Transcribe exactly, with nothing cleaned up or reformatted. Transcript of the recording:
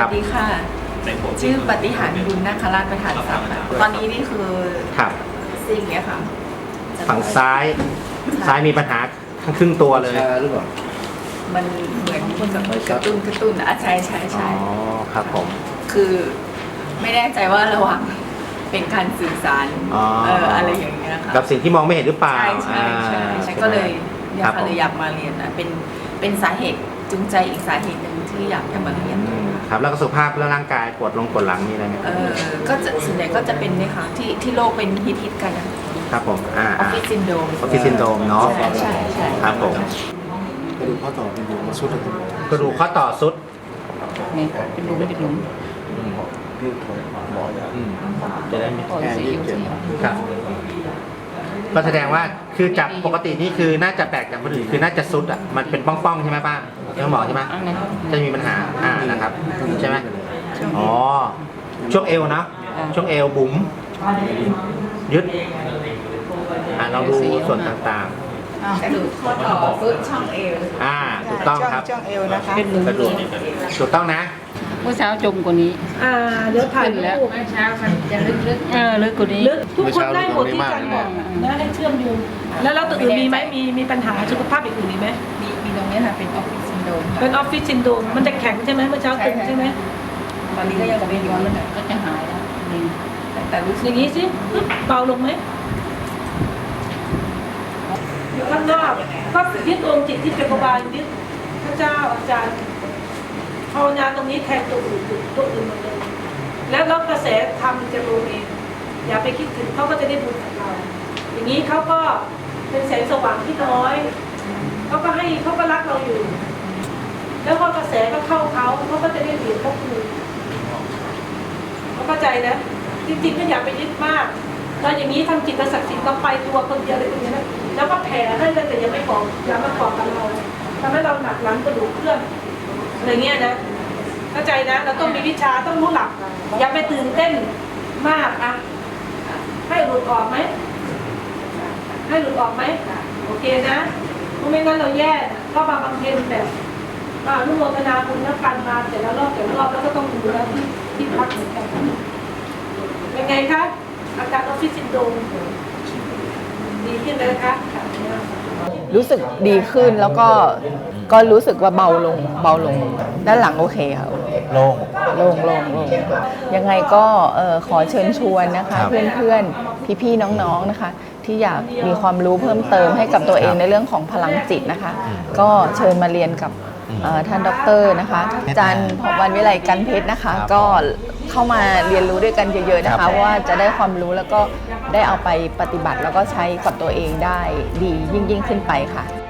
สดีค่ะชื่อปฏิหารบุญนาคราชประธานทรัพย์ค่ะตอนนี้นี่คือครับสิ่งเนี้ยค่ะฝั่งซ้ายซ้ายมีปัญหาทั้งครึ่งตัวเลยชาหรือเปล่ามันเหมือนคนกับกระตุ้นกระตุ้นอ่ะใช่ใช่อ๋ใช่อครับผมคือไม่แน่ใจว่าระหว่างเป็นการสื่อสารอ๋อเอออะไรอย่างเงี้ยค่ะกับสิ่งที่มองไม่เห็นหรือเปล่าใช่ใช่ใช่อ่าใช่ก็เลยเนี่ยครับค่ะผมเลยอยากมาเรียนนะเป็นเป็นสาเหตุจูงใจอีกสาเหตุหนึ่งที่อยากจะมาเรียนอืมครับแล้วก็สุขภาพและร่างกายปวดลงปวดหลังมีอะไรไหมเออก็จะส่วนใหญ่ก็จะเป็นเนี่ยค่ะที่ที่โลกเป็นฮิตฮิตๆกันนะครับผมอ่าออฟฟิศซินโดรมออฟฟิศซินโดรมเนาะใช่ใช่ใช่ครับผมกระดูกข้อต่อเป็นอยู่มาสุดเลยครับกระดูกข้อต่อสุดนี่เป็นหลุมเป็นหลุมพี่ถอยหมอจะอืมจะได้ไม่ต่อสีอยู่สีครับก็แสดงว่าคือจากปกตินี่คือน่าจะแปลกจากคนอื่นคือน่าจะสุดอ่ะมันเป็นป้องๆใช่ไหมป้าเรื่องหมอใช่ไหมอันนี้จะมีปัญหาอ่านะครับใช่ไหมอ๋อช่วงเอวนะช่วงเอวบุ๋มยึดอ่าเราดูส่วนต่างกระดูกข้อต่อซุดช่องเอวๆอ่าถูกต้องครับช่องเอวนะคะเป็นหลุมกระดูกถูกต้องนะเมื่อเช้าจมกว่านี้อ่าเดี๋ยวถ่ายขึ้นแล้วรูปเมื่อเช้ามันจะลึกๆเออลึกกว่านี้ลึกทุกคนได้หมดที่อาจารย์บอกนะให้เชื่อมโยงแล้วเราตัวอื่นมีไหมมีมีปัญหาสุขภาพอื่นมีไหมมีมีตรงนี้ค่ะเป็นออฟฟิศซินโดรมเป็นออฟฟิศซินโดรมมันจะแข็งใช่ไหมเมื่อเช้าตึงใช่ไหมตอนนี้ก็ยังเป็นอยู่เลยก็จะหายแล้วนี่แต่รู้อสึกย่างนี้สิเบาลงไหมข้างนอกก็ยึดองค์จิตที่เป็นกบาลยึดพระเจ้าอาจารย์ภาวนาตรงนี้แทนตัวอื่นตัวอื่นหมดเลยแล้วแล้วกระแสธรรมจะลงเองอย่าไปคิดถึงเขาก็จะได้บุญกับเรา อย่างนี้เขาก็เป็นแสงสว่างที่น้อยเขาก็ให้เขาก็รักเราอยู่ แล้วพอกระแสก็เข้าเขาเขาก็จะได้เหรียญเขาคืนเขาเข้าใจนะจริงๆก็อย่าไปยึดมากเราอย่างนี้ทำจิตศักดิ์สิทธิ์เราไปตัวคนเดียวเลยคนเดียวนะแล้วก็แผ่ให้เลยแต่ยังไม่บอกอย่ามาบอกกับเราทำให้เราหนักหลังกระดูกเคลื่อนอะไรเงี้ยนะเข้าใจนะเราต้องมีวิชาต้องรู้หลัก อย่าไปตื่นเต้นมากอะให้หลุดออกไหมให้หลุดออกไหมโอเคนะเพราะไม่งั้นเราแย่ก็มาบางเทนแบบมาอนุโมทนาบุญแล้วกันมาแต่ละรอบแต่ละรอบแล้วก็ต้องดูแลที่ที่พักเหมือนกันเป็นไงคะอาการออฟฟิศซินโดรมดีขึ้นเลยคะรู้สึกดีขึ้นแล้วก็ก็รู้สึกว่าเบาลงเบาลงด้านหลังโอเคค่ะโล่งโล่งโล่งโล่งยังไงก็เอ่อขอเชิญชวนนะคะครับเพื่อนๆพี่ๆน้องๆนะคะ ที่อยากมีความรู้เพิ่มเติมให้กับตัวเองในเรื่องของพลังจิตนะคะ ก็เชิญมาเรียนกับเอ่อท่านด็อกเตอร์นะคะอาจารย์ผวันวิไลกันเพชรนะคะ ก็เข้ามาเรียนรู้ด้วยกันเยอะๆนะคะว่าจะได้ความรู้แล้วก็ได้เอาไปปฏิบัติแล้วก็ใช้กับตัวเองได้ดียิ่งๆขึ้นไปค่ะ